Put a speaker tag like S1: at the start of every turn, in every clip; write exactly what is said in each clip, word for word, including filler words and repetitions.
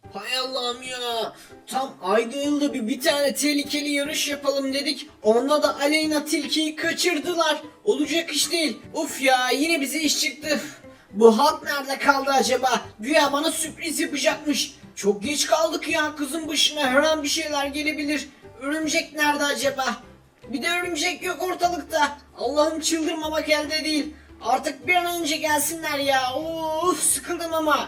S1: Hay Allah'ım ya. Tam ayda yılda bir, bir tane tehlikeli yarış yapalım dedik. Onda da Aleyna Tilki'yi kaçırdılar. Olacak iş değil. Uf ya, yine bize iş çıktı. Bu halk nerede kaldı acaba? Güya bana sürpriz yapacakmış. Çok geç kaldık ya, kızın başına her an bir şeyler gelebilir. Örümcek nerede acaba? Bir de örümcek yok ortalıkta. Allah'ım, çıldırmamak elde değil. Artık bir an önce gelsinler ya. Of, sıkıldım ama.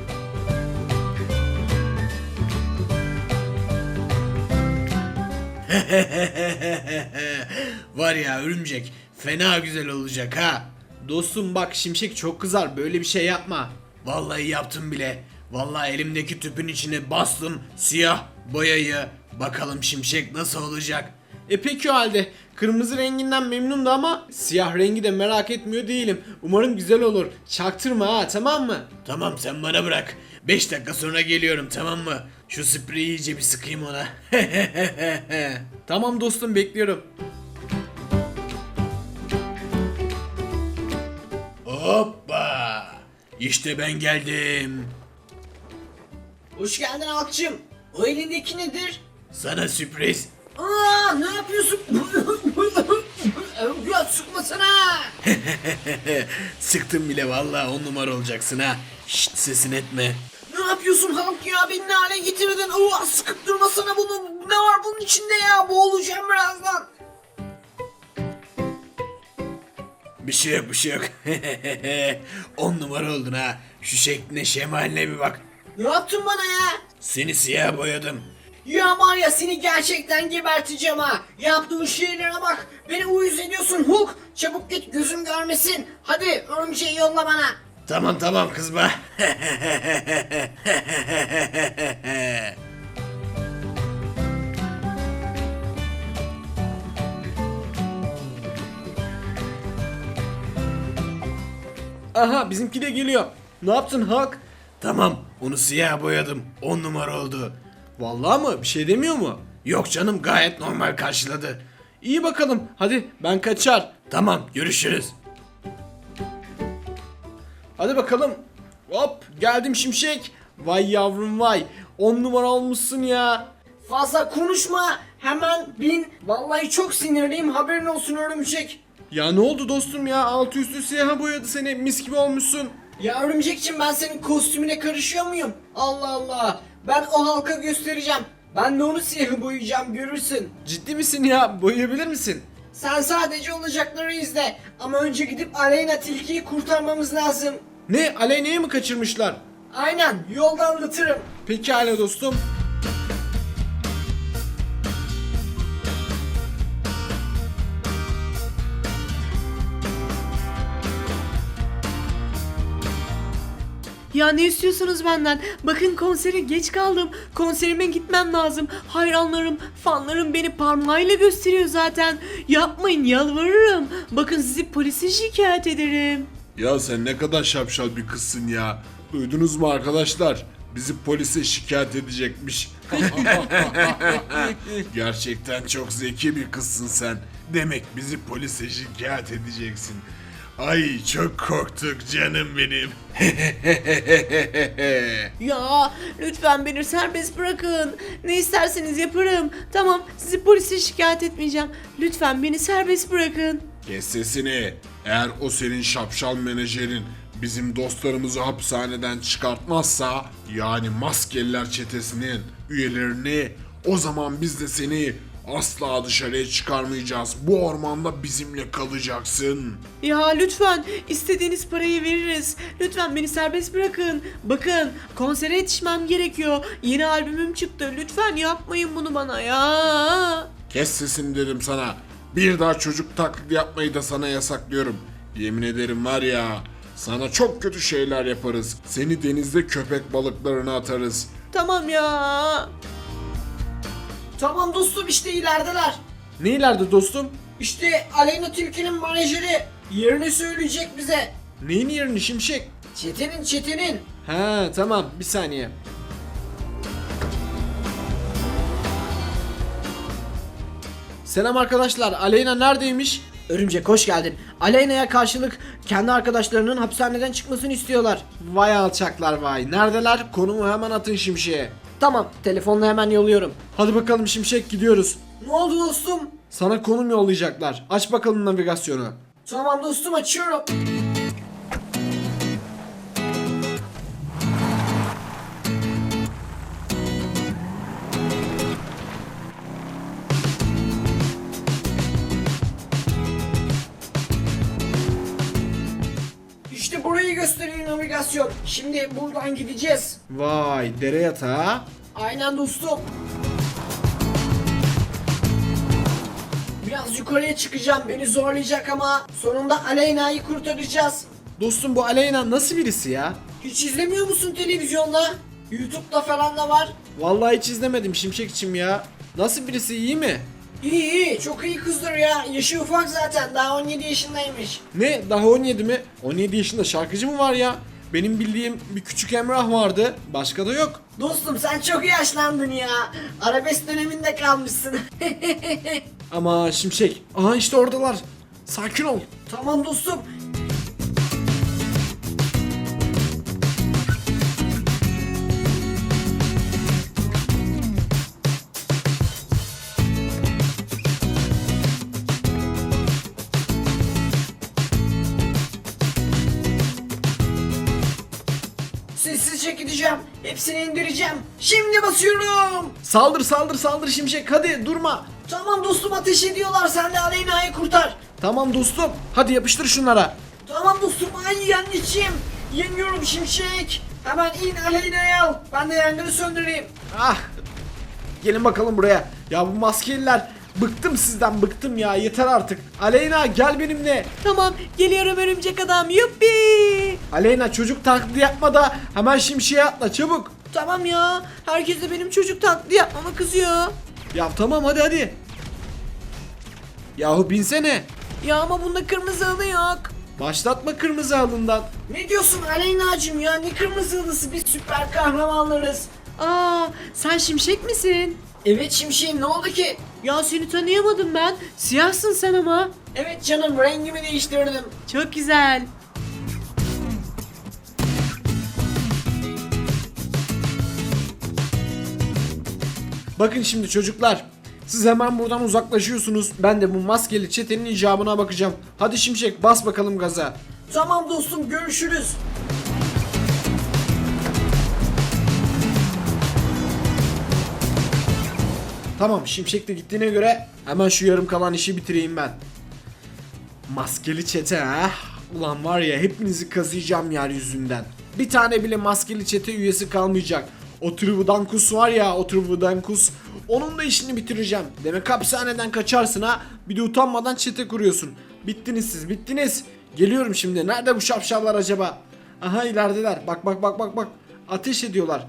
S2: Var ya örümcek, fena güzel olacak ha. Dostum bak, Şimşek çok kızar, böyle bir şey yapma. Vallahi yaptım bile. Vallahi elimdeki tüpün içine bastım siyah boyayı. Bakalım Şimşek nasıl olacak. E peki o halde. Kırmızı renginden memnundu ama siyah rengi de merak etmiyor değilim. Umarım güzel olur. Çaktırma ha, tamam mı? Tamam, sen bana bırak. beş dakika sonra geliyorum, tamam mı? Şu spreyi iyice bir sıkayım ona. Tamam dostum, bekliyorum. Hoppa! İşte ben geldim.
S1: Hoş geldin halkçım. O elindeki nedir?
S2: Sana sürpriz.
S1: Aa, ne yapıyorsun? Ya sıkmasana.
S2: Sıktım bile, vallahi on numara olacaksın ha. Şşt, sesin etme.
S1: Ne yapıyorsun halk ya? Beni ne hale getirdin? Oo, sıkıp durmasana bunu. Ne var bunun içinde ya? Boğulacağım birazdan.
S2: Bir şey yok, bir şey yok. On numara oldun ha. Şu şekline, şemaline bir bak.
S1: Ne yaptın bana ya?
S2: Seni siyah boyadım.
S1: Ya var ya, seni gerçekten geberteceğim ha. Yaptığın şeylere bak. Beni uyuz ediyorsun Hulk. Çabuk git, gözüm görmesin. Hadi örümceği yolla bana.
S2: Tamam tamam, kızma. Aha, bizimki de geliyor. Ne yaptın Hak? Tamam, onu siyah boyadım. On numara oldu. Vallahi mı? Bir şey demiyor mu? Yok canım, gayet normal karşıladı. İyi bakalım. Hadi ben kaçar. Tamam, görüşürüz. Hadi bakalım. Hop, geldim Şimşek. Vay yavrum vay. On numara olmuşsun ya.
S1: Fazla konuşma. Hemen bin. Vallahi çok sinirliyim. Haberin olsun örümcek.
S2: Ya ne oldu dostum ya? Altı üstü siyaha boyadı seni. Mis gibi olmuşsun.
S1: Ya örümcekçim, ben senin kostümüne karışıyor muyum? Allah Allah. Ben o halka göstereceğim. Ben de onu siyahı boyayacağım, görürsün.
S2: Ciddi misin ya? Boyayabilir misin?
S1: Sen sadece olacakları izle. Ama önce gidip Aleyna Tilki'yi kurtarmamız lazım.
S2: Ne? Aleyna'yı mı kaçırmışlar?
S1: Aynen, yolda anlatırım.
S2: Pekala dostum.
S3: Ya ne istiyorsunuz benden? Bakın, konsere geç kaldım. Konserime gitmem lazım. Hayranlarım, fanlarım beni parmağıyla gösteriyor zaten. Yapmayın, yalvarırım. Bakın, sizi polise şikayet ederim.
S4: Ya sen ne kadar şapşal bir kızsın ya. Duydunuz mu arkadaşlar? Bizi polise şikayet edecekmiş. Gerçekten çok zeki bir kızsın sen. Demek bizi polise şikayet edeceksin. Ay çok korktuk canım benim.
S3: Ya lütfen beni serbest bırakın. Ne isterseniz yaparım. Tamam, sizi polise şikayet etmeyeceğim. Lütfen beni serbest bırakın.
S4: Kes sesini. Eğer o senin şapşal menajerin bizim dostlarımızı hapishaneden çıkartmazsa, yani maskeliler çetesinin üyelerini, o zaman biz de seni asla dışarıya çıkarmayacağız. Bu ormanda bizimle kalacaksın.
S3: Ya lütfen, istediğiniz parayı veririz. Lütfen beni serbest bırakın. Bakın, konsere yetişmem gerekiyor. Yeni albümüm çıktı. Lütfen yapmayın bunu bana ya.
S4: Kes sesini dedim sana. Bir daha çocuk taklidi yapmayı da sana yasaklıyorum. Yemin ederim var ya, sana çok kötü şeyler yaparız. Seni denizde köpek balıklarına atarız.
S3: Tamam ya.
S1: Tamam dostum, işte ilerideler.
S2: Ne ileride dostum?
S1: İşte Aleyna Tilki'nin menajeri. Yerini söyleyecek bize.
S2: Neyin yerini Şimşek?
S1: Çetenin çetenin.
S2: Ha tamam, bir saniye. Selam arkadaşlar, Aleyna neredeymiş?
S1: Örümcek hoş geldin. Aleyna'ya karşılık kendi arkadaşlarının hapishaneden çıkmasını istiyorlar.
S2: Vay alçaklar vay. Neredeler? Konumu hemen atın Şimşek'e.
S1: Tamam, telefonla hemen yolluyorum.
S2: Hadi bakalım Şimşek, gidiyoruz.
S1: Ne oldu dostum?
S2: Sana konum yollayacaklar. Aç bakalım navigasyonu.
S1: Tamam dostum, açıyorum. İşte burayı gösteriyor navigasyon. Şimdi buradan gideceğiz.
S2: Vay, dere yatağı.
S1: Aynen dostum. Biraz yukarıya çıkacağım, beni zorlayacak ama sonunda Aleyna'yı kurtaracağız.
S2: Dostum, bu Aleyna nasıl birisi ya?
S1: Hiç izlemiyor musun televizyonda? YouTube'da falan da var.
S2: Vallahi hiç izlemedim Şimşekçim ya. Nasıl birisi, iyi mi?
S1: İyi iyi, çok iyi kızdır ya. Yaşı ufak zaten, daha on yedi yaşındaymış.
S2: Ne? Daha on yedi mi? on yedi yaşında şarkıcı mı var ya? Benim bildiğim bir küçük Emrah vardı. Başka da yok.
S1: Dostum sen çok yaşlandın ya. Arabesk döneminde kalmışsın.
S2: Ama Şimşek. Aha işte oradalar. Sakin ol.
S1: Tamam dostum. Sessizce gideceğim. Hepsini indireceğim. Şimdi basıyorum.
S2: Saldır saldır saldır Şimşek, hadi durma.
S1: Tamam dostum, ateş ediyorlar. Sen de Aleyna'yı kurtar.
S2: Tamam dostum, hadi yapıştır şunlara.
S1: Tamam dostum, ay anneciğim. Yeniyorum Şimşek. Hemen in, Aleyna'yı al. Ben de yangını söndüreyim.
S2: Ah. Gelin bakalım buraya. Ya bu maskeliler, bıktım sizden, bıktım ya, yeter artık. Aleyna gel benimle.
S3: Tamam, geliyorum örümcek adam. Yuppi.
S2: Aleyna çocuk taklidi yapma da hemen Şimşek'e atla çabuk.
S3: Tamam ya. Herkes de benim çocuk taklidi yapmama kızıyor.
S2: Ya tamam, hadi hadi. Yahu binsene.
S3: Ya ama bunda kırmızı halı yok.
S2: Başlatma kırmızı halından.
S1: Ne diyorsun Aleyna'cığım ya? Ne kırmızı halısı, biz süper kahramanlarız.
S3: Aa, sen Şimşek misin?
S1: Evet Şimşek'im, ne oldu ki?
S3: Ya seni tanıyamadım ben. Siyahsın sen ama.
S1: Evet canım, rengimi değiştirdim.
S3: Çok güzel.
S2: Bakın şimdi çocuklar. Siz hemen buradan uzaklaşıyorsunuz. Ben de bu maskeli çetenin icabına bakacağım. Hadi Şimşek, bas bakalım gaza.
S1: Tamam dostum, görüşürüz.
S2: Tamam, Şimşek de gittiğine göre hemen şu yarım kalan işi bitireyim ben. Maskeli çete ha? Ulan var ya, hepinizi kazıyacağım yeryüzünden. Bir tane bile maskeli çete üyesi kalmayacak. O Trivdankus var ya, o Trivdankus. Onun da işini bitireceğim. Demek hapishaneden kaçarsın ha. Bir de utanmadan çete kuruyorsun. Bittiniz siz, bittiniz. Geliyorum şimdi. Nerede bu şapşallar acaba? Aha, ilerideler. Bak bak bak bak bak. Ateş ediyorlar.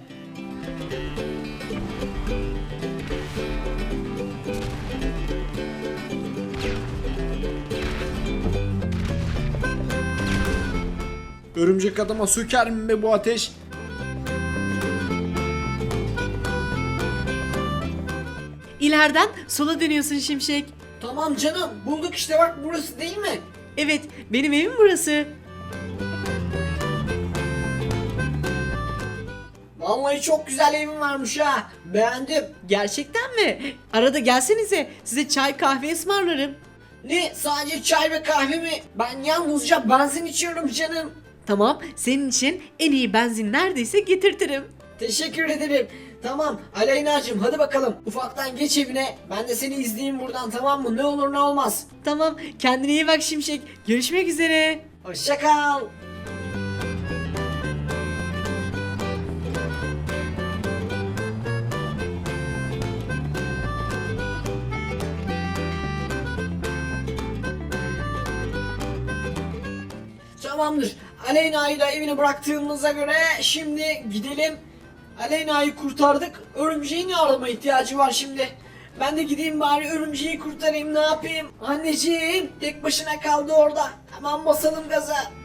S2: Örümcek adama söker mi be bu ateş?
S3: İleriden sola dönüyorsun Şimşek.
S1: Tamam canım, bulduk işte, bak burası değil mi?
S3: Evet, benim evim burası.
S1: Vallahi çok güzel evin varmış ha. Beğendim.
S3: Gerçekten mi? Arada gelsenize, size çay kahve ısmarlarım.
S1: Ne, sadece çay ve kahve mi? Ben yalnızca benzin içiyorum canım.
S3: Tamam, senin için en iyi benzin neredeyse getirtirim.
S1: Teşekkür ederim. Tamam Aleyna'cığım, hadi bakalım. Ufaktan geç evine. Ben de seni izleyeyim buradan, tamam mı? Ne olur ne olmaz.
S3: Tamam, kendine iyi bak Şimşek. Görüşmek üzere.
S1: Hoşça kal. Tamamdır. Aleyna'yı da evine bıraktığımıza göre şimdi gidelim. Aleyna'yı kurtardık. Örümceğin yardıma ihtiyacı var şimdi. Ben de gideyim bari örümceği kurtarayım, ne yapayım? Anneciğim tek başına kaldı orada. Hemen basalım gaza.